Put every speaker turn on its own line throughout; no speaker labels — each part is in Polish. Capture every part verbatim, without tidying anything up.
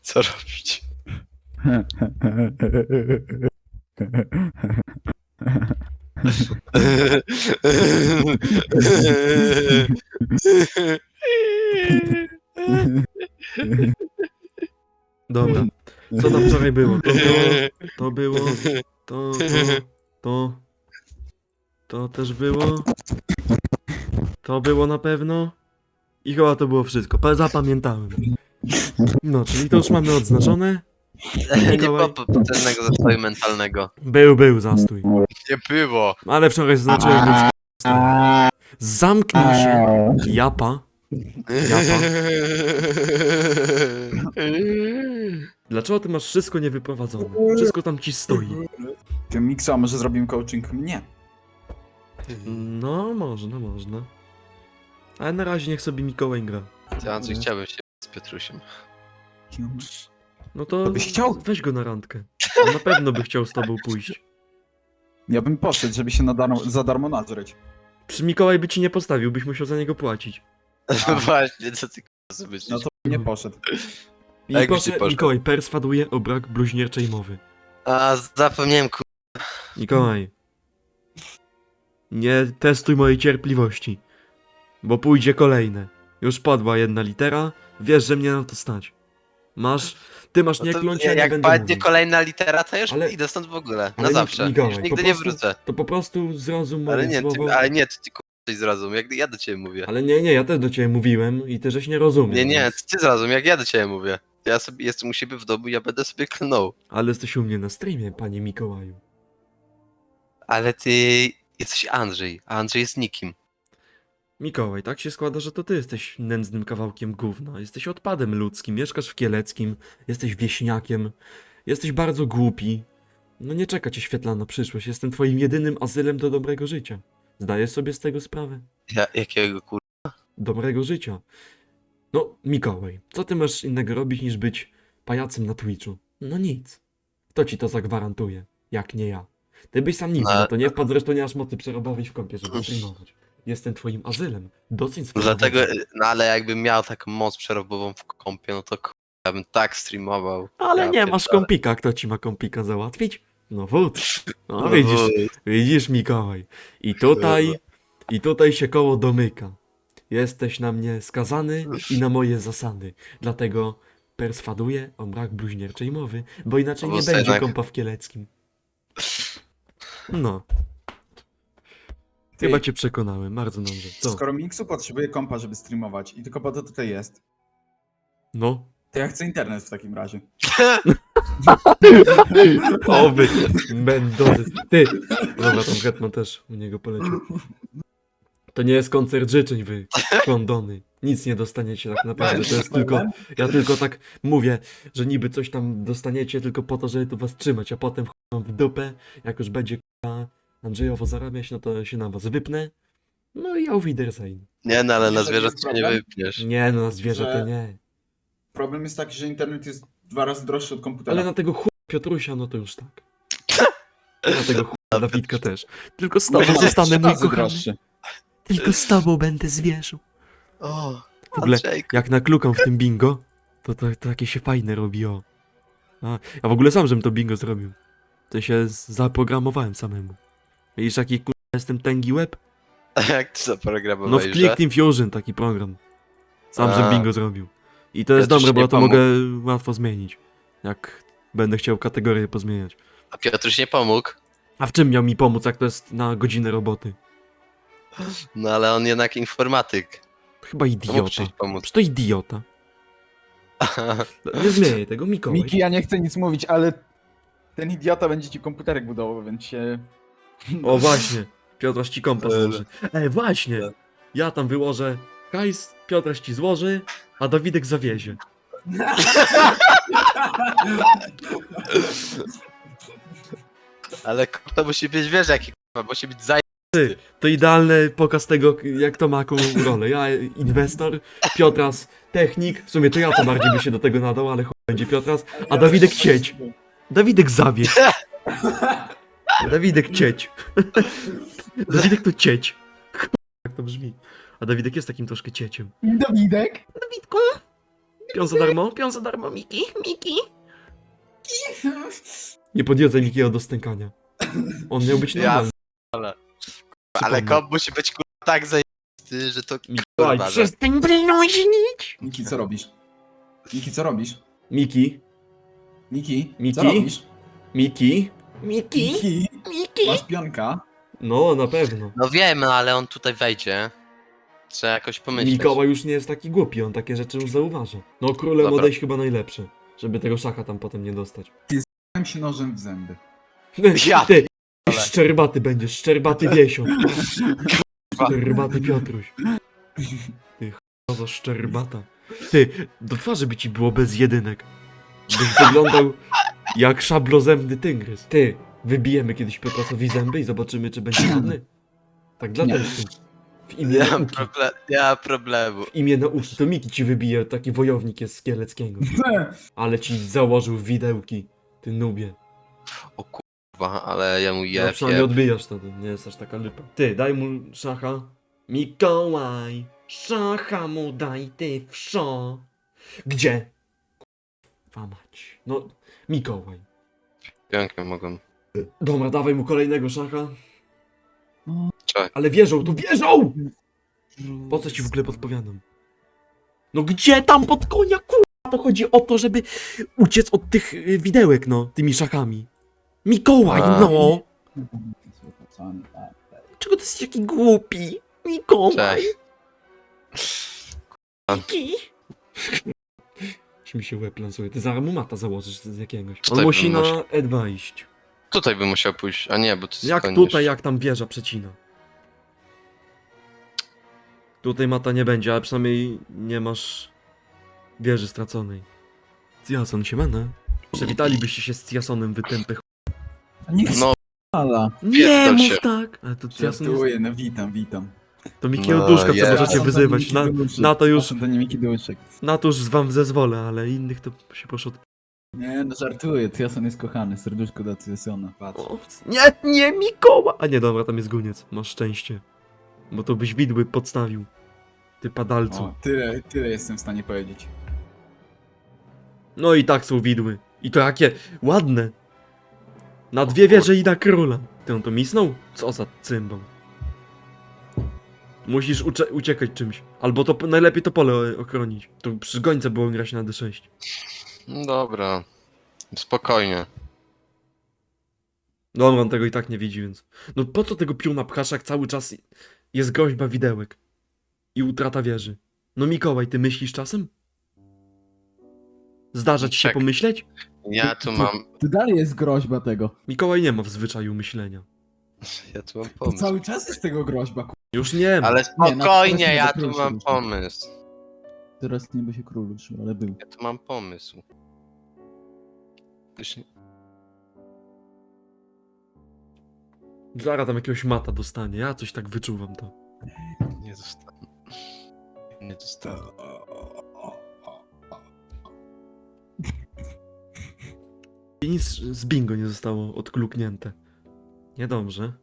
Co robić?
Dobra, co tam wczoraj było? To było, to było, to, to, to, to też było, to było na pewno i chyba to było wszystko, Pa- zapamiętałem. No, czyli to już mamy odznaczone.
Nie
Mikołaj.
było potężnego zastoju mentalnego.
Był, był zastój.
Nie było.
Ale wczoraj zaznaczyłem ludzki zastój. Zamknij się, japa. Japa. Dlaczego ty masz wszystko niewyprowadzone? Wszystko tam ci stoi.
Ty, Miksa, może zrobimy coaching mnie?
No, można, można. Ale na razie niech sobie Mikołaj gra.
Ty, Andrzej, chciałbym się z Piotrusiem.
No to
To byś chciał?
weź go na randkę. On na pewno by chciał z tobą pójść.
Ja bym poszedł, żeby się na darmo, za darmo nazryć.
Przy Mikołaj by ci nie postawił, byś musiał za niego płacić.
Właśnie, co ty k***a sobie myślisz?
No to bym nie poszedł.
I
A jakbyś
proszę,
nie poszedł?
Mikołaj perswaduje o brak bluźnierczej mowy.
A, zapomniałem k***.
Mikołaj. Nie testuj mojej cierpliwości. Bo pójdzie kolejne. Już padła jedna litera, wiesz, że mnie na to stać. Masz, ty masz
No
nie
to
kląć,
ja-
ja nie
jak
będę
padnie
mówił.
kolejna litera, to już
Ale-
idę stąd w ogóle.
ale
Na zawsze.
Mikołaj,
Już
po
nigdy nie
prostu-
wrócę.
To po prostu zrozum
Ale
moje
nie,
słowo.
ty, ale nie, ty, ty k***a coś zrozum, jak ja do ciebie mówię.
Ale nie, nie, ja też do ciebie mówiłem i ty żeś nie rozumiesz.
Nie, nie,
więc-
ty zrozum, jak ja do ciebie mówię. Ja sobie jestem u siebie w domu i ja będę sobie klnął.
Ale jesteś u mnie na streamie, panie Mikołaju.
Ale ty jesteś Andrzej, a Andrzej jest nikim.
Mikołaj, tak się składa, że to ty jesteś nędznym kawałkiem gówna. Jesteś odpadem ludzkim, mieszkasz w Kieleckim, jesteś wieśniakiem, jesteś bardzo głupi. No nie czeka cię świetlana przyszłość, jestem twoim jedynym azylem do dobrego życia. Zdajesz sobie z tego sprawę?
Ja, jakiego kur...
Dobrego życia. No, Mikołaj, co ty masz innego robić niż być pajacem na Twitchu? No nic. Kto ci to zagwarantuje? Jak nie ja. Ty byś sam nigdy
No.
na to nie wpadł, zresztą nie masz mocy przerobowej w kąpie, żeby streamować. Jestem twoim azylem. Doceń swoją
Dlatego,
mocę.
no ale jakbym miał taką moc przerobową w kompie, no to kur... ja bym tak streamował.
Ale
Ja
nie masz
pierdolę.
kompika. Kto ci ma kompika załatwić? No wód. No
No
widzisz,
wód.
widzisz Mikołaj. I tutaj, i tutaj się koło domyka. Jesteś na mnie skazany i na moje zasady. Dlatego perswaduję o brak bluźnierczej mowy, bo inaczej
Bo
nie
sobie
będzie
jednak-
kompa w Kieleckim. No,
Ty,
chyba cię przekonałem, bardzo dobrze. Co?
skoro Miksu potrzebuje kompa, żeby streamować i tylko po to tutaj jest,
No.
to ja chcę internet w takim razie.
Oby, Mendozy. Ty! Dobra, tam Hetman też u niego poleciał. To nie jest koncert życzeń, wy kondony. Nic nie dostaniecie tak naprawdę, to jest tylko... Ja tylko tak mówię, że niby coś tam dostaniecie tylko po to, żeby tu was trzymać, a potem wam w dupę, jak już będzie k***a Andrzejowo zarabiać, no to się na was wypnę. No i auf Wiedersehen.
Nie no, ale na
Wiesz, jaki
zwierzę
jest
się nie
problem?
wypniesz.
Nie no, na zwierzę to
Że-
nie.
Problem jest taki, że internet jest dwa razy droższy od komputera.
Ale na tego chuja Piotrusia, no to już tak. Na tego chuja Dawidka też. Tylko z tobą zostanę mój kochany. Tylko z tobą będę zwierzył.
O,
W ogóle,
Andrzejku.
jak naklukam w tym bingo, to, to, to takie się fajne robi, o. A, ja w ogóle sam, żebym to bingo zrobił. To się z- zaprogramowałem samemu. Widzisz, jaki k***a jestem tęgi łeb?
Jak ty zaprogramowałeś,
No w
że?
Click Team Fusion taki program. Sam, żebym
A.
bingo zrobił. I to jest
Piotruś
dobre, bo
nie
ja to
pomógł.
mogę łatwo zmienić. Jak będę chciał kategorię pozmieniać.
A Piotruś nie pomógł.
A w czym miał mi pomóc, jak to jest na godzinę roboty?
No ale on jednak informatyk.
Chyba
Mógł
idiota.
przyjść pomóc.
Przecież to idiota. Nie zmieniaj tego, Mikołaj.
Miki, ja nie chcę nic mówić, ale ten idiota będzie ci komputerek budował, więc się...
O właśnie, Piotraś ci kompa
Ale-
złoży. Ej, właśnie, ja tam wyłożę hajs, Piotraś ci złoży, a Dawidek zawiezie.
Ale k- to musi być, wiesz jaki k***a, musi być zaj...
To idealny pokaz tego, jak to ma jaką rolę. Ja inwestor, Piotras technik, w sumie to ja co bardziej by się do tego nadał, ale chuj będzie Piotras, a Dawidek cieć. Dawidek zawieź. Dawidek cieć. Dawidek to cieć. Jak to brzmi. A Dawidek jest takim troszkę cieciem.
Dawidek?
Dawidku, Pion za darmo, pion za darmo, Miki, Miki. Nie podjedzaj Mikiego do stękania. On miał być
Ja
normalny.
Ale
Przypomnę.
komp musi być kurwa tak zajebisty, że to
Mikołaj,
kurwa, że...
przestań bluźnić!
Miki, co robisz? Miki, co robisz?
Miki,
Miki,
Miki?
co robisz?
Miki, Miki,
Miki,
Miki.
masz pionka?
No, na pewno.
No wiem, ale on tutaj wejdzie. Trzeba jakoś pomyśleć.
Mikołaj już nie jest taki głupi, on takie rzeczy już zauważa. No, królem
Dobra.
odejść chyba najlepsze, żeby tego szaka tam potem nie dostać.
Dałem się nożem w zęby.
Ja
Ty,
ale-
szczerbaty będziesz, szczerbaty Wiesio. Szczerbaty Piotruś. Ty ch**a szczerbata. Ty, do twarzy by ci było bez jedynek. Byś wyglądał jak szablozębny tygrys. Ty, wybijemy kiedyś Piotrasowi zęby i zobaczymy, czy będzie ładny. Tak dla
Nie.
testu. W imię
Nie mam,
nauki.
proble- nie mam problemu.
W imię nauki. To Miki ci wybije, taki wojownik jest z Kieleckiego. Ale ci założył widełki, ty nubie.
O kurwa, ale ja mu
No,
jeb,
przynajmniej
jeb.
odbijasz to, to nie jest aż taka lipa. Ty, daj mu szacha. Mikołaj, szacha mu daj ty wszo. Gdzie? Kurwa mać. No, Mikołaj.
Pionkiem mogłem.
Dobra, dawaj mu kolejnego szacha.
Czekaj.
Ale wierzą, tu wierzą! Po co ci w ogóle podpowiadam? No gdzie tam pod konia, kurwa? To chodzi o to, żeby uciec od tych y, widełek, no, tymi szachami. Mikołaj,
A.
no! Czego ty jesteś taki głupi? Mikołaj!
Cześć.
Miki! Czy mi się łeb lansuje? Ty zaraz mu mata założysz z jakiegoś. On
Tutaj
musi
bym
na
musiał-
E dwa iść.
Tutaj by musiał pójść, a nie, bo to jest
Jak
koniec.
tutaj, jak tam wieża przecina. Tutaj mata nie będzie, ale przynajmniej nie masz wieży straconej. Jason się mena. Przywitalibyście się z Jasonem, wytępy ch...
Niech
No,
spala.
Nie
Pierdol
mów
się.
tak! Ale to Jason jest...
Żartuję, no witam, witam.
To Mikiego
No,
Duszka, co
jest.
możecie
Jason to
wyzywać.
nie
Na,
Miki Duszek.
na to już,
Jason to nie Miki Duszek.
na to już wam zezwolę, ale innych to się poszło...
Nie, no żartuję, Jason jest kochany, serduszko dla Jasona, patrz.
O, nie, nie, Mikoła! A nie, dobra, tam jest guniec. Masz szczęście. Bo to byś widły podstawił. Ty padalcu.
O, tyle, tyle jestem w stanie powiedzieć.
No i tak są widły. I to jakie ładne. Na dwie wieże i na króla. Ty on to misnął? Co za cymbał. Musisz ucze- uciekać czymś. Albo to najlepiej to pole ochronić. To przy gońce było grać na D sześć.
no dobra. Spokojnie.
Dobra, on tego i tak nie widzi, więc... No po co tego piuna pchasz, jak cały czas jest groźba widełek? I utrata wieży. No Mikołaj, ty myślisz czasem? Zdarza ci się
Czek.
pomyśleć?
Ja tu mam...
To dalej jest groźba tego.
Mikołaj nie ma w zwyczaju myślenia.
Ja tu mam
To
pomysł.
cały czas jest tego groźba, ku...
Już nie ma.
Ale
Nie, no,
spokojnie,
teraz nie
ja
będę
tu
prosił
mam
już.
pomysł.
Teraz nie by się król ruszył, ale był.
Ja tu mam pomysł. Już nie...
Zara tam jakiegoś mata dostanie, ja coś tak wyczuwam to.
Nie dostanę. Nie dostanę.
I nic z bingo nie zostało odkluknięte. Niedobrze.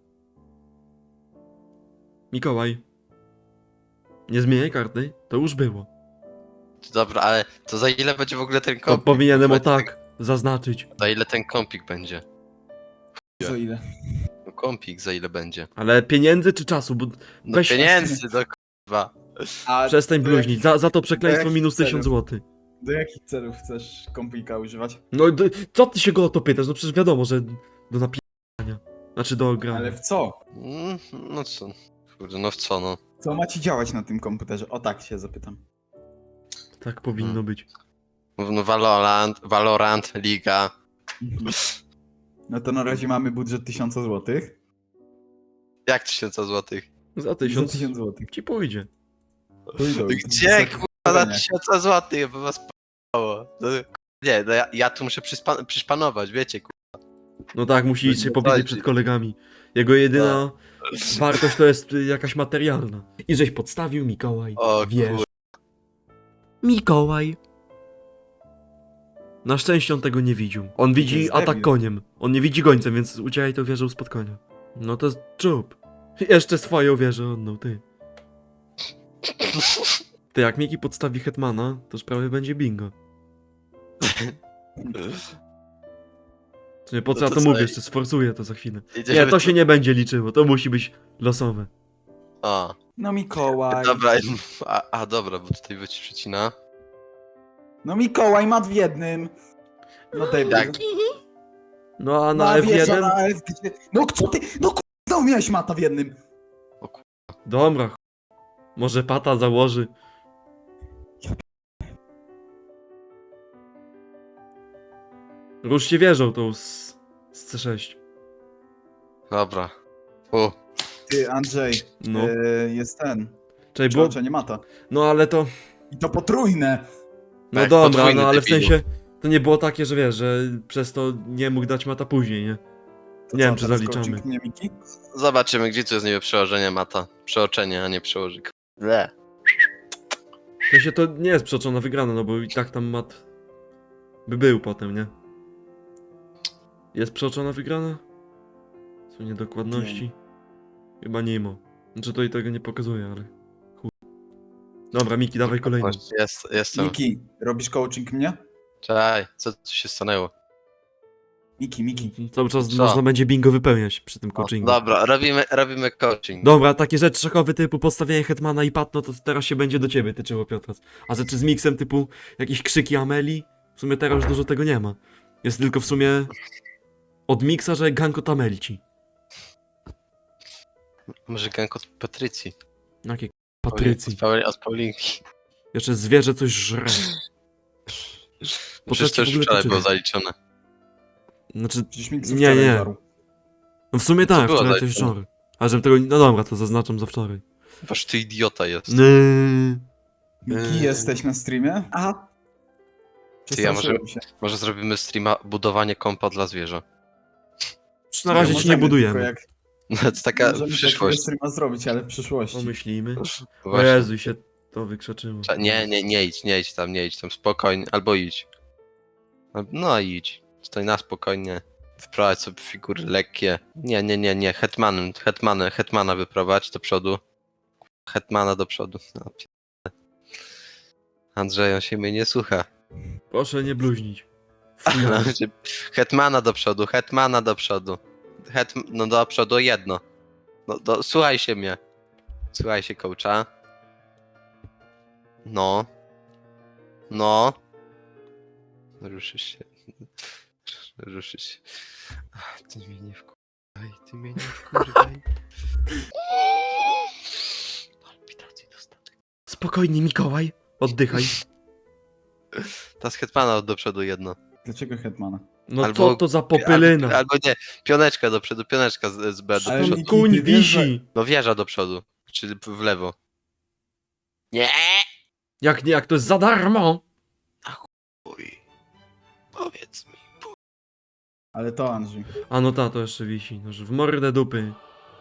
Mikołaj. Nie zmieniaj karty, to już było.
Dobra, ale to za ile będzie w ogóle ten
To
kompik?
powinienem o
Za-
tak zaznaczyć.
Za ile ten kompik będzie?
Co ile?
No kompik za ile będzie?
Ale pieniędzy czy czasu? Bo
No
Weź-
pieniędzy, do kurwa.
A
przestań
do
bluźnić. Za, za to
do
przekleństwo
jakich
minus tysiąc
celów?
złotych.
Do jakich celów chcesz kompika używać?
No d- co ty się go o to pytasz? No przecież wiadomo, że do napisania. Znaczy do grania.
Ale w co?
Mm, No co? Kurde, no w co no?
Co ma ci działać na tym komputerze? O tak się zapytam.
Tak powinno
Hmm.
być.
No Valorant, Valorant, Liga.
No to na razie mamy budżet tysiąc złotych.
Jak tysiąca złotych?
Za
Za
tysiąc
tysiąc złotych.
ci pójdzie.
Gdzie kurwa na tysiąca złotych, by was p***ało? No, nie, no ja, ja tu muszę przyspa- przyszpanować, wiecie kurwa.
No tak, musi
To
iść się
nie
powiedzieć
chodzi.
przed kolegami. Jego jedyna wartość to jest y, jakaś materialna. I żeś podstawił Mikołaj.
O
Wiesz.
kurwa.
Mikołaj. Na szczęście on tego nie widział. On widzi
jest
atak
debil.
koniem. On nie widzi gońcem, więc uciekaj to wieżą spod konia. No to jest czub. Jeszcze swoją wieżę oddał, ty. Ty, jak Miki podstawi Hetmana, to już prawie będzie bingo. Nie, po co
No
ja
to
to
co,
mówię,
ej?
jeszcze sforsuję to za chwilę.
Jedziemy
Nie, to
tu?
się nie będzie liczyło, to musi być losowe.
O,
No Mikołaj.
dobra, a, a dobra, bo tutaj wyci przecina.
No Mikołaj, mat w jednym. No debil.
Jak?
No a na
Na
F jeden?
na F gdzie... No co ty? No k***a, znowu miałeś mata w jednym.
Dobra. ch- Może pata założy. Ruszcie wieżą tą z, z C sześć.
Dobra. U,
Ty, Andrzej,
No.
yy, jest ten.
Czekaj, było...
Przeoczenie mata.
No ale to...
I to potrójne.
No
Tak,
dobra,
podwójny
no ale w
debilu.
sensie... To nie było takie, że wiesz, że przez to nie mógł dać mata później, nie?
To
Nie
co,
wiem, czy
teraz
zaliczamy.
coaching mnie, Miki?
zobaczymy, gdzie tu jest niby przełożenie mata. Przeoczenie, a nie przełożyk. Le.
W sensie to nie jest przeoczona wygrana, no bo i tak tam mat... by był potem, nie? Jest przeoczona wygrana? Są niedokładności? Chyba nie ma. Znaczy to i tego nie pokazuje, ale... Chuj. Dobra, Miki, dawaj kolejny.
Właśnie, Jest, jestem.
Miki, robisz coaching mnie?
Czekaj, co tu się stanęło?
Miki, Miki.
Cały czas
Co?
można będzie bingo wypełniać przy tym
O,
coachingu.
dobra, robimy, robimy coaching.
Dobra, takie rzeczy szachowe typu postawienie Hetmana i Pat, no to teraz się będzie do ciebie tyczyło, Piotras. A rzeczy z miksem typu jakieś krzyki Ameli, w sumie teraz już dużo tego nie ma. Jest tylko w sumie od miksa, że gank od Amelci.
Może gank od Patrycji.
Jakie k- Patrycji.
Od, Pauli, od Paulinki.
Jeszcze zwierzę coś żre.
Przecież to już
w ogóle
wczoraj
to
było
czyta.
zaliczone.
Znaczy,
Przecież Miki
Nie,
wczoraj
nie.
żarł.
no w sumie tak,
było
wczoraj
dalej?
coś wczoraj. A żebym tego, no dobra, to zaznaczam za wczoraj.
Boż ty idiota jest.
Ny.
Miki,
Eee.
jesteś na streamie? Aha.
Ty, ja może-
Przestraszyłem się.
Może zrobimy streama budowanie kompa dla zwierza.
Na razie ci nie
Możemy,
budujemy.
tylko Jak,
No to taka
możemy
przyszłość.
takiego streama zrobić, ale w przyszłości.
Pomyślimy. O
Właśnie.
Jezu, i się to wykrzaczyło.
Cze- Nie, nie, nie idź, nie idź tam, nie idź tam, spokojnie, albo idź. Al- No idź, stoi na spokojnie, wprowadź sobie figury lekkie. Nie, nie, nie, nie, hetmanem, hetmana, hetmana wyprowadź do przodu. Hetmana do przodu. No, p- Andrzej, on się mnie nie słucha.
Proszę nie bluźnić.
Hetmana do przodu, hetmana do przodu. Het, no do przodu jedno. No, do, słuchaj się mnie. Słuchaj się coacha. No. No. Ruszysz się. Ruszysz się. Ach, ty mnie nie wkurwaj, ty mnie nie wkurwaj. Palpitacji dostanę.
Spokojnie, Mikołaj. Oddychaj.
Ta z hetmana do przodu jedno.
Dlaczego Hetmana?
No
Albo-
co to za popylyna?
Albo, albo nie, pioneczka do przodu, pioneczka z, z B do
Ale
przodu.
Miki,
Kuń
ty wiesz, że-
wisi.
No wieża do przodu, czyli w lewo. Nie!
Jak nie, jak to jest za darmo.
Uj. Powiedz mi.
Ale to Andrzej.
A no ta, to jeszcze wisi. No, że w mordę dupy.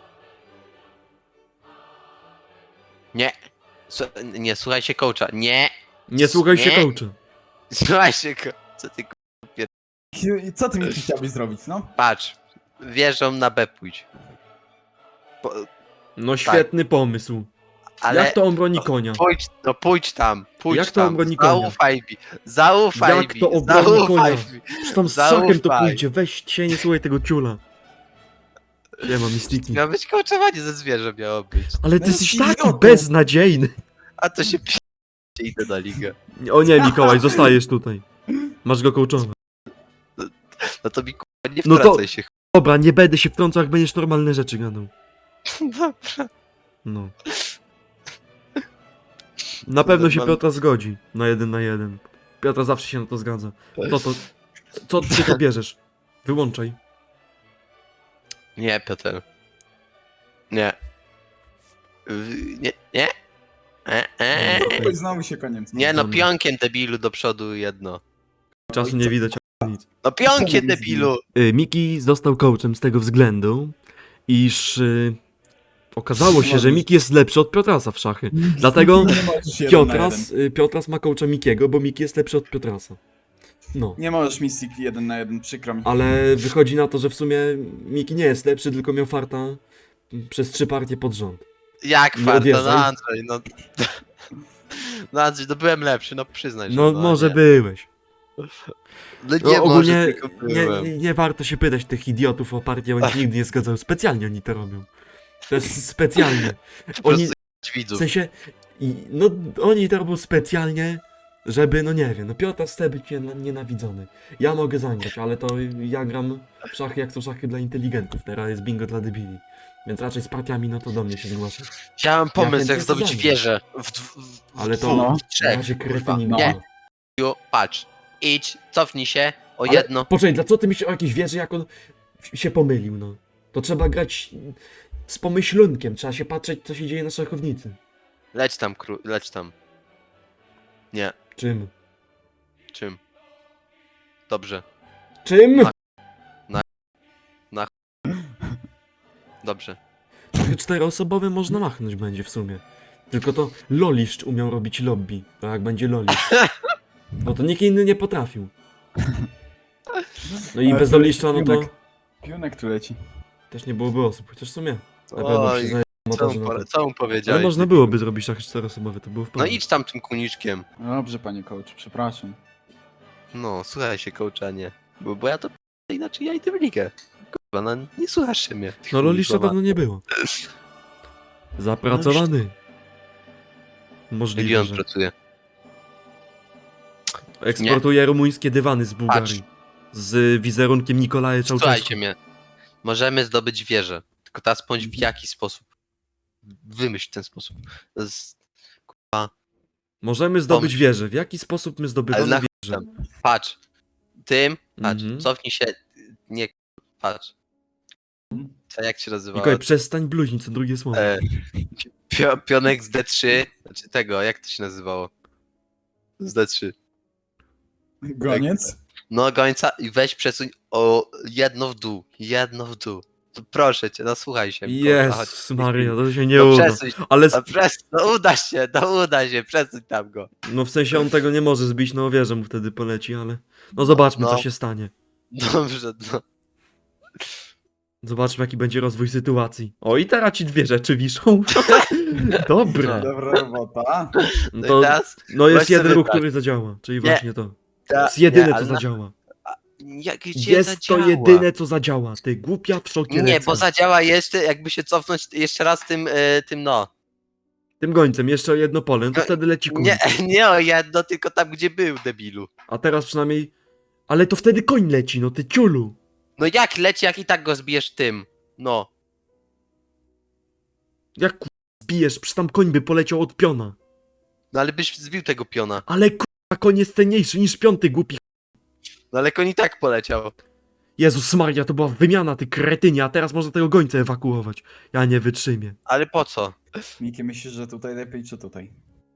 Nie. Słu- nie, słuchaj się coacha. Nie.
Nie słuchaj się
Nie.
coacha.
Słuchaj się co, co ty k-
I co ty Miki chciałbyś zrobić, no?
patrz. Wieżą na B pójdź. Po,
No świetny pomysł.
ale
Jak to on broni konia?
pójdź, no pójdź tam, pójdź
Jak to
tam.
obroni konia?
Zaufaj mi. Zaufaj
Jak
mi.
to obroni
zaufaj
konia?
mi.
Przecież tam z
Zaufaj.
szakiem to pójdzie. Weź cię, nie słuchaj tego ciula. Nie ma mistiki.
Miało być coachowanie ze zwierzę miało być.
Ale
No
ty jesteś
jest
taki
idiotą.
beznadziejny.
A to się p... idę na ligę.
O nie, Mikołaj, zostajesz tutaj. Masz go coachować.
No to mi k***a nie
No to-
wtracaj się.
Dobra, nie będę się wtrącał, jak będziesz normalne rzeczy gadał.
Dobra.
No. Na pewno się
Mam-
Piotra zgodzi na jeden na jeden. Piotra zawsze się na to zgadza. To to... Co ty to bierzesz? Wyłączaj.
Nie, Piotr. Nie. W- Nie, nie. E, e.
Oj, znowu się koniec.
Nie no,
Dobra.
pionkiem debilu do przodu jedno.
Czasu nie widać. a Nic.
No pionkiem
Czemu nie
debilu!
Y, Miki został coachem z tego względu, iż y, okazało się, że Miki jest lepszy od Piotrasa w szachy. Dlatego
Nie możesz jeden na
Piotras, y, Piotras ma coacha Mikiego, bo Miki jest lepszy od Piotrasa. No.
jeden. Nie możesz Mystic jeden na jeden, przykro mi.
Ale wychodzi na to, że w sumie Miki nie jest lepszy, tylko miał farta przez trzy partie pod rząd.
Jak
Nie
farta,
odjeżdżaj.
no Andrzej, no. No Andrzej, no byłem lepszy, no przyznaj się.
No może
nie.
byłeś.
No nie,
No
może
ogólnie
tylko
nie,
byłem.
nie, nie warto się pytać tych idiotów o partię, oni się nigdy nie zgadzają. Specjalnie oni to robią. To jest specjalnie.
Po
Oni,
prostu
w
widzów.
sensie, i, no oni to robią specjalnie, żeby, no nie wiem, no Piotr chce być nie- nienawidzony. Ja mogę zagrać, ale to ja gram w szachy jak są szachy dla inteligentów, teraz jest bingo dla debili. Więc raczej z partiami, no to do mnie się zgłasza.
Ja mam pomysł,
chętnie
jak zdobyć
zagram.
wieżę. W, dw- w,
Ale to
dwóch,
No.
w
na
trzech,
razie
kurwa.
kretyni
No.
nie.
Ju, patrz, idź, cofnij się o
Ale
jedno.
poczekaj, dlaczego ty myślisz o jakiejś wieży, jak on się pomylił, no? To trzeba grać z pomyślunkiem, trzeba się patrzeć, co się dzieje na szachownicy.
Leć tam, kru, leć tam. Nie,
Czym?
czym? Dobrze,
Czym?
dobrze.
Szachy czteroosobowe można machnąć będzie w sumie. Tylko to Loliszcz umiał robić lobby, to jak będzie Loliszcz. Bo to nikt inny nie potrafił. No i
Ale
bez
to
Loliszcza, no to
Pionek. Pionek tu leci.
też nie byłoby osób, chociaż w sumie. Na pewno
Oj,
przyznaję
Co
montażu
mu,
na
pole-
to.
co mu
Ale
powiedziałeś?
można
debilu?
byłoby zrobić szachy czteroosobowe, to było w
No
porządku.
idź tam tym kuniczkiem.
Dobrze, panie coach, przepraszam.
No, słuchaj się, coachanie. Bo, bo ja to p- inaczej ja idę w ligę. Kurwa, no nie słuchasz się mnie.
No Loliszcza
Kurwa.
pewno nie było. Zapracowany.
Gdzie
Możliwe,
on
że
pracuje?
eksportuje rumuńskie dywany z Bułgarii.
Patrz.
Z wizerunkiem Nikolaja Czałczewskiego.
Słuchajcie mnie. Możemy zdobyć wieżę. Tylko teraz bądź w jaki sposób. Wymyśl ten sposób. Z...
Możemy zdobyć
Pomyśl.
wieżę. W jaki sposób my
Ale
zdobywamy
na
wieżę?
Patrz. Tym, patrz,
Mhm.
cofnij się. Nie, patrz. Co, jak się nazywa?
Mikołaj, przestań bluźnić co drugie słowo.
E, pio, pionek z D trzy. Znaczy tego, jak to się nazywało? Z D trzy.
Goniec?
No gońca i weź przesuń o jedno w dół. Jedno w dół. To proszę cię, no słuchaj się. kurwa, chodź.
Jezus Maria, to się nie
No
uda.
przesuń,
Ale
no,
s-
przes, no uda się, no uda się, przesuń tam go.
no w sensie on tego nie może zbić, no wieżę mu wtedy poleci, ale... No zobaczmy
No.
co się stanie.
Dobrze, no.
Zobaczmy jaki będzie rozwój sytuacji. O i teraz ci dwie rzeczy wiszą. Dobre.
Dobra robota.
No
No, i
to,
teraz,
no jest
weź sobie
jeden ruch,
wybrać.
który zadziała. Czyli
Nie.
właśnie to.
ta,
Jest jedyne
nie,
co
ale na-
zadziała.
Jak, gdzie
Jest
zadziała?
to jedyne co zadziała. Ty głupia w szokie
Nie, bo zadziała jeszcze, jakby się cofnąć jeszcze raz tym, e, tym no.
Tym gońcem jeszcze jedno pole, no to
No,
wtedy leci koń.
Nie, nie o jedno, tylko tam gdzie był, debilu.
A teraz przynajmniej... Ale to wtedy koń leci, no ty ciulu.
No jak leci, jak i tak go zbijesz tym. No.
Jak ku... zbijesz, przy tam koń by poleciał od piona.
No ale byś zbił tego piona.
Ale kurwa, koń jest cenniejszy niż piąty głupi.
No ale koń i tak poleciał.
Jezus Maria, to była wymiana, ty kretynie, a teraz można tego gońca ewakuować. Ja nie wytrzymię.
Ale po co?
Miki, myślisz, że tutaj lepiej, czy tutaj?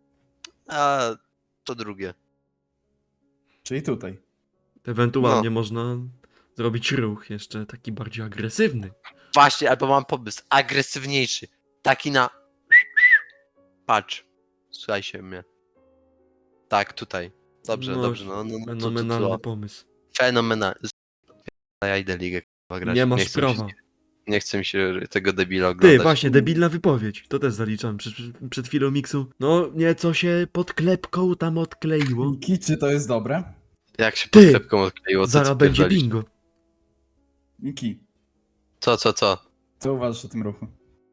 A to drugie.
Czyli tutaj.
Ewentualnie
No.
można zrobić ruch jeszcze taki bardziej agresywny.
Właśnie, albo mam pomysł. Agresywniejszy. Taki na... Patrz. Słuchaj się mnie. Tak, tutaj. Dobrze,
No,
dobrze. No, no, no, to, to,
Fenomenalny
to.
pomysł.
Fenomenalny. Ja idę ligę k***a, grać.
Nie masz
chcę mi się-
prawa.
Nie chcę mi się tego debila oglądać.
Ty, właśnie, debilna wypowiedź. To też zaliczam przed, przed chwilą miksu. No, nieco się pod klepką tam odkleiło.
Miki, czy to jest dobre?
Jak się
Ty!
pod klepką odkleiło, co
Zaraz
ty
będzie
pierdolisz?
bingo.
Miki,
Co, co, co?
co uważasz o tym ruchu?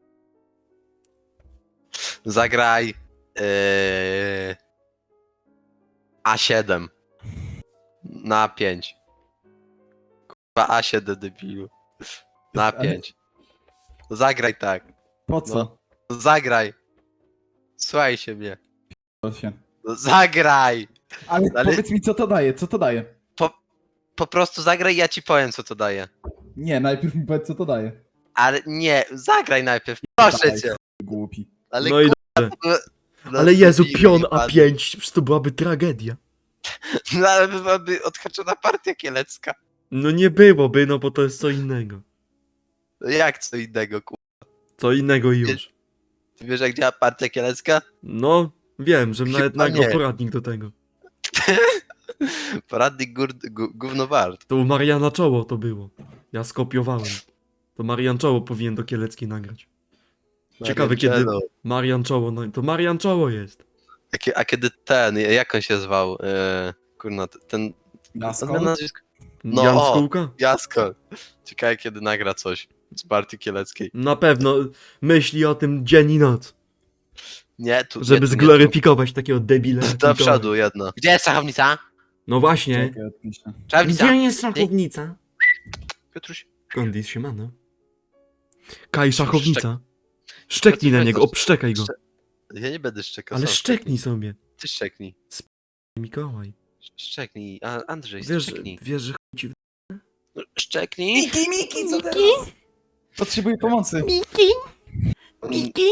Zagraj... Yy... A siedem. Na pięć. Kurwa A siedem debilu. Na
Ale-
pięć. Zagraj tak.
Po co?
No. Zagraj. Słuchaj się mnie.
To się.
No, zagraj!
Ale,
Ale-
powiedz mi, co to daje, co to daje?
Po prostu zagraj i ja ci powiem co to daje.
Nie, najpierw mi powiedz, co to daje.
Ale nie, zagraj najpierw, proszę
Dawaj,
cię.
Głupi.
Ale
No i
kurwa, no,
Ale Jezu,
debilu
pion
jebany.
A pięć, przecież to byłaby tragedia.
No ale byłaby odhaczona partia kielecka.
No nie byłoby, no bo to jest co innego.
No jak co innego, kurwa.
Co innego już.
Ty wiesz jak działa partia kielecka?
No, wiem, że nawet
Chyba
nagrał
nie.
poradnik do tego.
Poradnik gór, gó- gówno wart.
To u Mariana Czoło to było. Ja skopiowałem. To Marian Czoło powinien do Kieleckiej nagrać. Ciekawe, kiedy-
Mariangelo.
Marian Czoło, no to Marian Czoło jest.
A, kie- a kiedy ten, jak on się zwał? E, kurna, ten...
Jasko?
nazwisko? No,
Jan
o.
Skółka?
Jasko. Ciekawe kiedy nagra coś z partii kieleckiej.
Na pewno myśli o tym dzień i noc,
Nie, tu...
żeby
nie, tu,
zgloryfikować takiego debila.
Nie,
jak
tu. Do
Mikołaj.
przodu jedno. Gdzie jest szachownica?
No właśnie.
Czekaj, odpiszę.
Szachownica?
Gdzie jest szachownica?
Piotruś.
Kondis siemano. Kaj szachownica. Szczeknij na niego, obszczekaj go.
Ja nie będę szczekał.
Ale
sam
szczeknij sobie.
Ty szczeknij.
Mikołaj.
Szczeknij. A, Andrzej,
Wiesz,
szczeknij.
wiesz, że chuj ci w...
No, szczeknij.
Miki, Miki, co teraz? Potrzebuję pomocy.
Miki! Miki!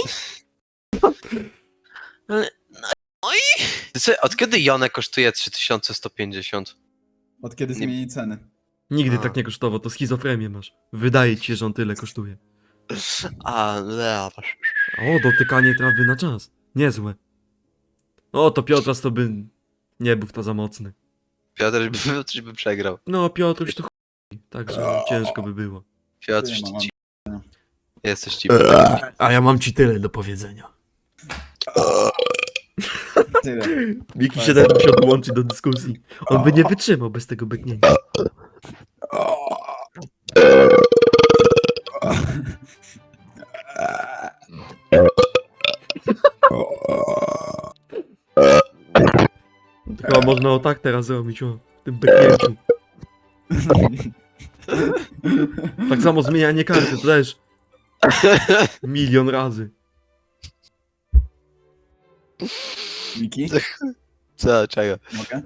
No i... Ty co, od kiedy Jone kosztuje trzy tysiące sto pięćdziesiąt?
Od kiedy
Nie-
zmienili ceny?
Nigdy
A.
tak nie kosztował, to schizofrenię masz. Wydaje ci się, że on tyle kosztuje.
A, no,
O, dotykanie trawy na czas. Niezłe. O, to Piotras to by... Nie był w to za mocny.
Piotr by, Piotr by przegrał.
No, Piotruś to chuj. Także ciężko by było.
Piotr,
Nie ma, mam.
ci... Jesteś ci...
A ja mam ci tyle do powiedzenia.
Tyle.
Miki się nawet musiał dołączyć do dyskusji. On by nie wytrzymał bez tego byknięcia. Chyba można o tak teraz zrobić, o tym byknięciu. Tak samo zmienianie karty, to też milion razy.
Miki,
Co, czego?
mogę?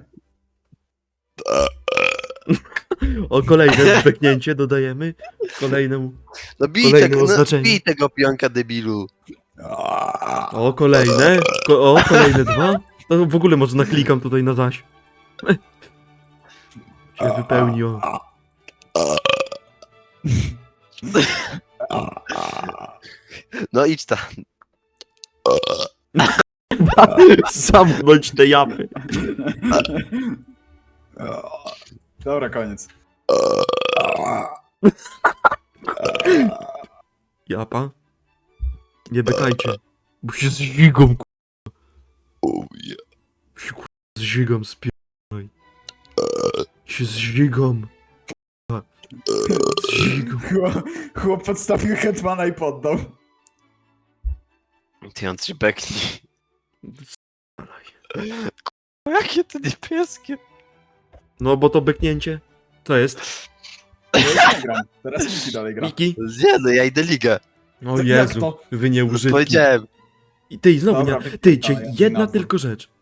O, kolejne byknięcie dodajemy. Kolejnemu.
No bij,
Kolejne
tego, no,
oznaczenie.
bij tego pionka debilu.
O, kolejne. Ko o, kolejne dwa. To w ogóle może naklikam tutaj na zaś. Się wypełni, o.
No idź tam.
Zamknąć te japy.
Dobra, koniec.
Japa? Nie bykajcie. Bo się z zigą, ku...
Oh, yeah.
się ku... z zigą spierdolaj. Się z zigą. Ku- Z zigą.
Chłop, chłop podstawił Hetmana i poddał.
Ty on trzy bekni. Jakie to niebieskie.
No bo to byknięcie. Co jest?
Ja już nie gram. Teraz Miki dalej gra.
Miki?
Nie no, ja idę ligę.
O
Jak
Jezu,
to?
wy nie użytki.
Powiedziałem.
I ty, znowu
Dobra,
nie. Ty, cię
dalej,
jedna
nazwę.
tylko rzecz.